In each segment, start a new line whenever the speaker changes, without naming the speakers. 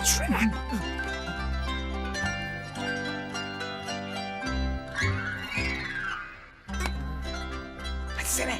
Hadi şuraya. Hadi sene.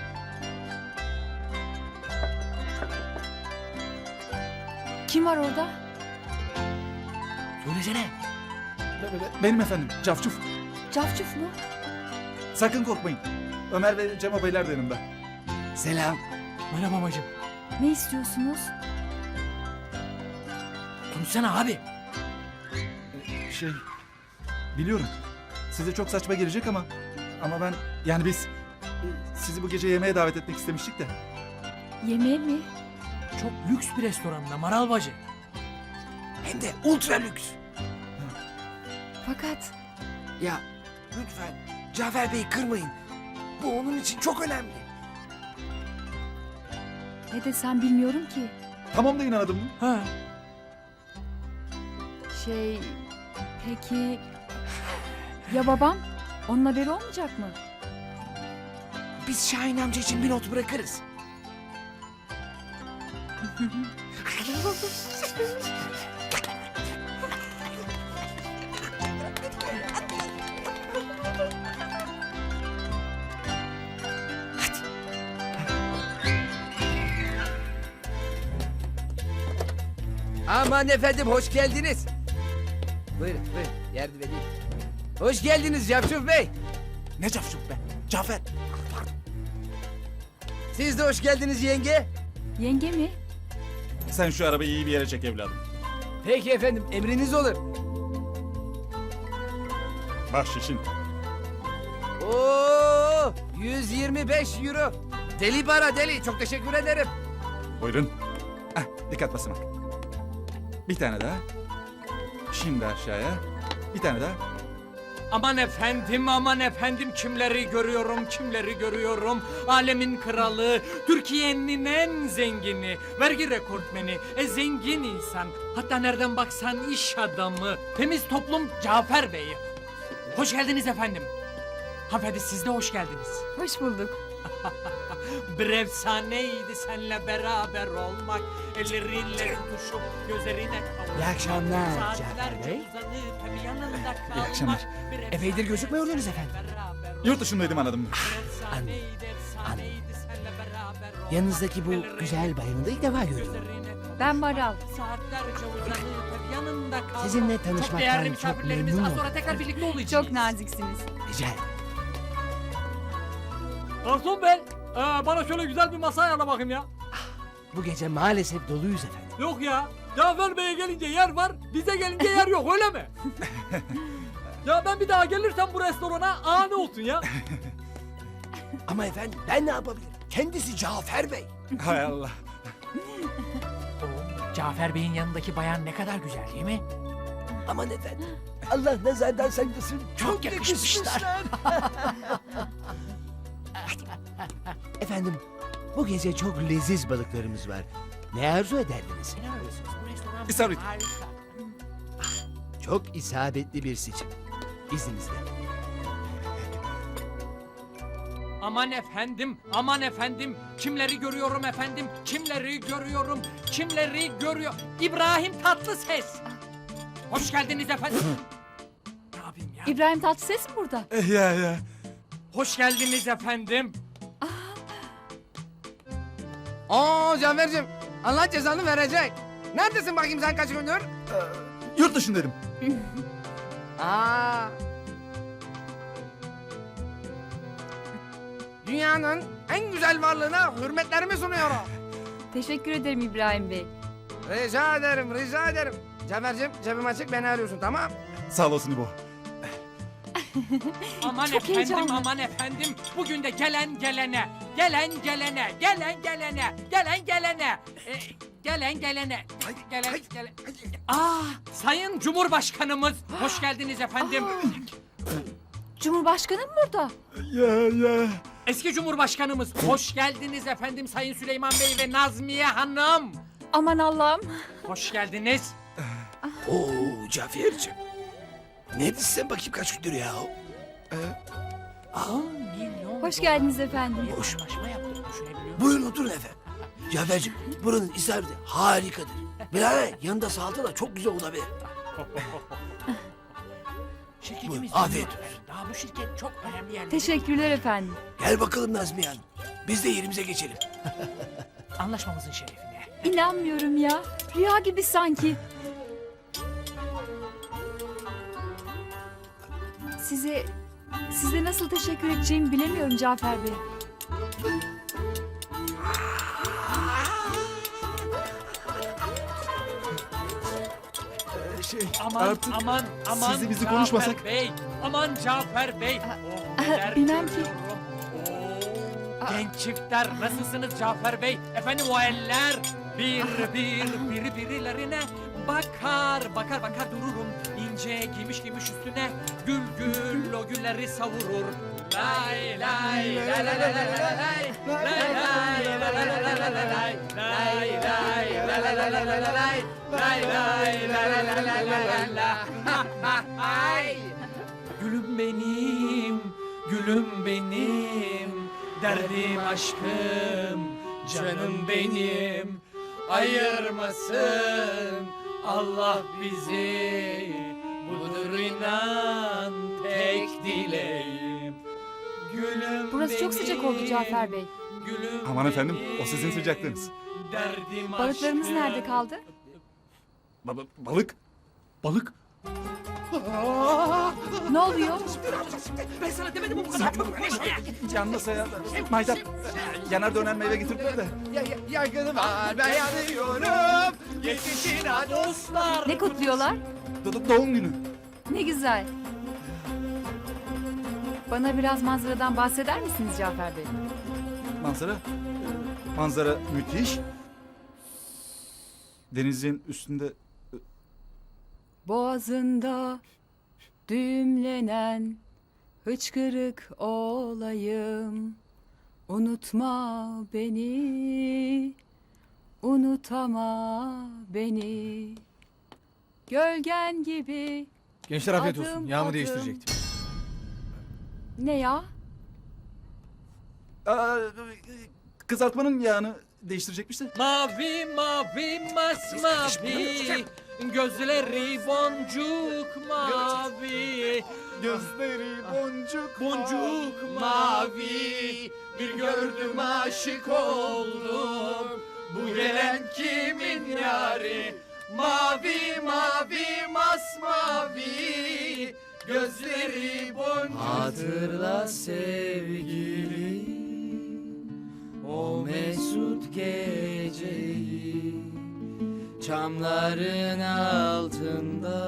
Kim var orada?
Söylesene.
Benim efendim, Cafcuf.
Cafcuf mu?
Sakın korkmayın. Ömer ve Cem Beyler de yanımda.
Selam.
Merhaba bacım.
Ne istiyorsunuz?
Konuşsana abi.
Şey, biliyorum. Size çok saçma gelecek ama ben, yani biz sizi bu gece yemeğe davet etmek istemiştik de.
Yemeğe mi?
Çok lüks bir restoranda Maral bacı.
Hem de ultra lüks.
Fakat
Ya lütfen Cafer Bey'i kırmayın. Bu onun için çok önemli.
ne desem bilmiyorum ki.
Tamam da inanadın mı?
Ha.
Peki... Ya babam? Onun haberi olmayacak mı?
Biz Şahin amca için bir not bırakırız. Aman efendim hoş geldiniz. Buyurun yardım edeyim. Hoş geldiniz Cafcuf Bey.
Ne Cafcuf be? Cafer.
Siz de hoş geldiniz yenge.
Yenge mi?
Sen şu arabayı iyi bir yere çek evladım.
Peki efendim emriniz olur.
Bahşişin.
Oo 125 euro. Deli para deli çok teşekkür ederim.
Buyurun. Dikkat basamak. Bir tane daha. Şimdi aşağıya. Bir tane daha.
Aman efendim kimleri görüyorum. Alemin kralı, Türkiye'nin en zengini, vergi rekortmeni, zengin insan. Hatta nereden baksan iş adamı, temiz toplum Cafer Bey. Hoş geldiniz efendim. Hanımefendi siz de hoş geldiniz.
Hoş bulduk.
Bir efsaneydi senle beraber olmak. Ellerinle tutuşup gözlerine kavuşmak.
İyi akşamlar
Saatlerce
Cafer Bey.
uzanıp hep yanında kalmak.
İyi akşamlar.
Bir
Epeydir gözükmüyordunuz efendim.
beraber
Yurt dışındaydım anladım.
efsaneydi, efsaneydi senle beraber olmak.
Yanınızdaki bu
Ellerine
güzel bayanı da ilk defa görüyorum.
gözlerine kavuşmak.
Ben Maral.
Saatlerce uzanıp hep yanında kalmak.
Sizinle
Çok
tanışmaktan
değerli
çok
misafirlerimiz.
memnun
Az sonra
oldum.
tekrar birlikte olacağız.
Çok naziksiniz.
Rica ederim.
Garson bey, bana şöyle güzel bir masa ayarla bakayım ya.
Bu gece maalesef doluyuz efendim.
Yok ya. Cafer Bey'e gelince yer var, bize gelince yer yok öyle mi? Ya ben bir daha gelirsem bu restorana ne olsun ya?
Ama efendim ben ne yapabilirim? Kendisi Cafer Bey.
Hay Allah.
Cafer Bey'in yanındaki bayan ne kadar güzel değil mi?
Aman efendim. Allah nazardan saklasın.
Çok yakışmışlar.
Efendim bu gece çok leziz balıklarımız var. Ne arzu ederdiniz?
Ne arıyorsunuz? Bu restoran
İsabet.
harika.
Çok isabetli bir seçim. İzninizle.
Aman efendim. Kimleri görüyorum efendim? Kimleri görüyor? İbrahim Tatlıses. Hoş geldiniz efendim. Ne yapayım ya?
İbrahim Tatlıses mi burada?
Ya.
Hoş geldiniz efendim.
Cafer'cim Allah cezanı verecek. Neredesin bakayım sen kaç gündür?
Yurt dışındaydım.
Dünyanın en güzel varlığına hürmetlerimi sunuyorum.
Teşekkür ederim İbrahim Bey.
Rica ederim. Cafer'cim cebim açık beni arıyorsun tamam?
Sağ olasın İbo.
Çok heyecanlı.
Aman efendim. Bugün de gelen gelene. Sayın Cumhurbaşkanımız. Hoş geldiniz efendim.
Cumhurbaşkanı mı burada?
Ya.
Eski Cumhurbaşkanımız. Hoş geldiniz efendim Sayın Süleyman Bey ve Nazmiye Hanım.
Aman Allah'ım.
Hoş geldiniz.
Oo Cafer'cim. Neredesin sen bakayım kaç gündür ya?
10 milyon.
Hoş geldiniz efendim.
Hoş.
Anlaşma yaptık düşünebiliyor musun?
Buyurun oturun efendim. Cafer'cim buranın isabeti harikadır.
Bilal yanında salata çok güzel olabilir.
Şirketimiz
Afiyet
büyüyor.
olsun.
Daha bu şirket çok önemli yerlere.
Teşekkürler efendim.
Gel bakalım Nazmiye Hanım. Biz de yerimize geçelim.
Anlaşmamızın şerefine.
İnanmıyorum ya. Rüya gibi sanki. Size nasıl teşekkür edeceğimi bilemiyorum Cafer Bey.
Aman
artık
aman aman
sizi bizi
Cafer
konuşmasak.
Bey. Aman Cafer Bey. Oh, neler
bilmem ki.
görüyorum. Oo, genç çiftler nasılsınız Cafer Bey? Efendim o eller birilerine bakar dururum. İnce giymiş üstüne gül o gülleri savurur. Lay lay lay lay lay lay lay lay lay lay lay Gülüm benim, derdim aşkım, canım benim, ayırmasın Allah bizi, budur inan tek dileğim. Gülüm
Burası çok sıcak oldu Cafer Bey.
Gülüm
Aman efendim, o
benim,
sizin sıcaklığınız.
derdim
Balıklarımız
aşkım.
nerede kaldı?
Balık. Balık.
Ne oluyor?
Ben sana demedim mi bu kadar çabuk konuşma ya?
Yanmasa ya. Maydat. Yanar döner meyve getirdiler de.
Yaygını var ben yanıyorum.
Yetişin ha dostlar.
Ne kutluyorlar?
Doğum günü.
Ne güzel. Bana biraz manzaradan bahseder misiniz Cafer Bey?
Manzara. Manzara müthiş. Denizin üstünde
Boğazında düğümlenen hıçkırık olayım. Unutma beni, unutama beni. Gölgen gibi.
Gençler afiyet
Adım,
olsun. Yağımı
adım.
değiştirecektim.
Ne ya?
kızartmanın yağını değiştirecekmiş de.
Mavi masmavi, gözleri boncuk mavi.
Gözleri
Boncuk mavi, bir gördüm aşık oldum. Bu gelen kimin yari? Mavi masmavi, gözleri boncuk.
Hatırla sevgili o mesut geceyi, çamların altında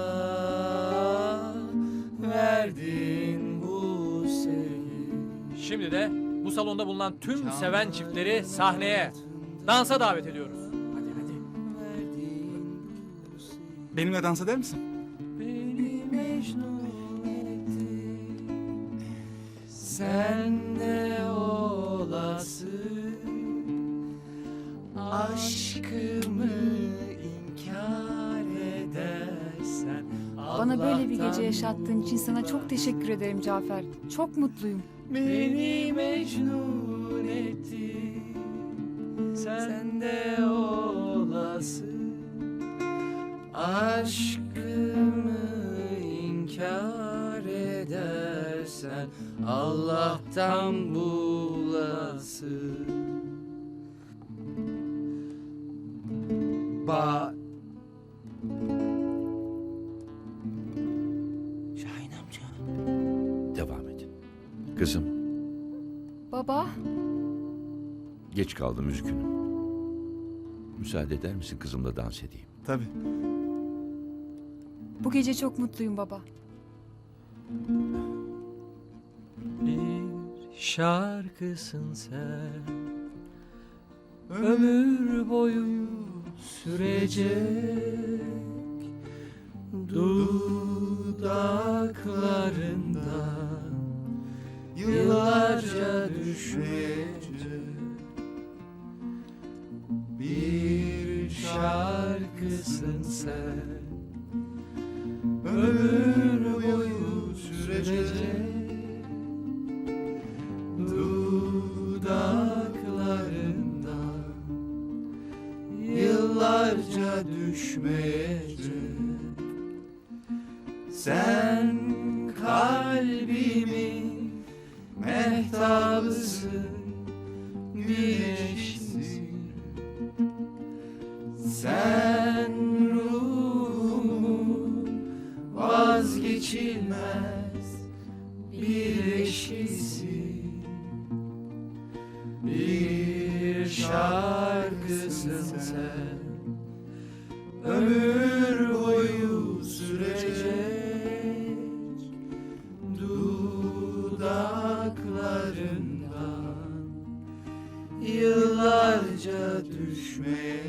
verdin bu sevgi.
Şimdi de bu salonda bulunan tüm seven çiftleri sahneye, dansa davet ediyoruz.
Benimle dans eder misin?
Beni mecnun etti, sen de olası aşkımı inkar edersen.
Bana böyle bir gece
Allah'tan
yaşattığın için sana çok teşekkür ederim Cafer. Çok mutluyum.
beni mecnun etti, sen de olası aşkımı inkar edersen Allah'tan bulası.
Şahin amca. Devam et.
Kızım,
Baba,
geç kaldım üzgünüm. Müsaade eder misin kızımla dans edeyim?
Tabii.
bu gece çok mutluyum baba.
Bir şarkısın sen, ömür boyu sürecek, dudaklarından yıllarca düşmeyecek. Bir şarkısın sen, ömür boyu sürecek, dudaklarından yıllarca düşmeyecek. mehtabısın, güneşsin. Sen ruhumun vazgeçilmez bir eşisin. Bir şarkısın sen, ömür boyu sürecek, dudaklarından yıllarca düşmeyecek.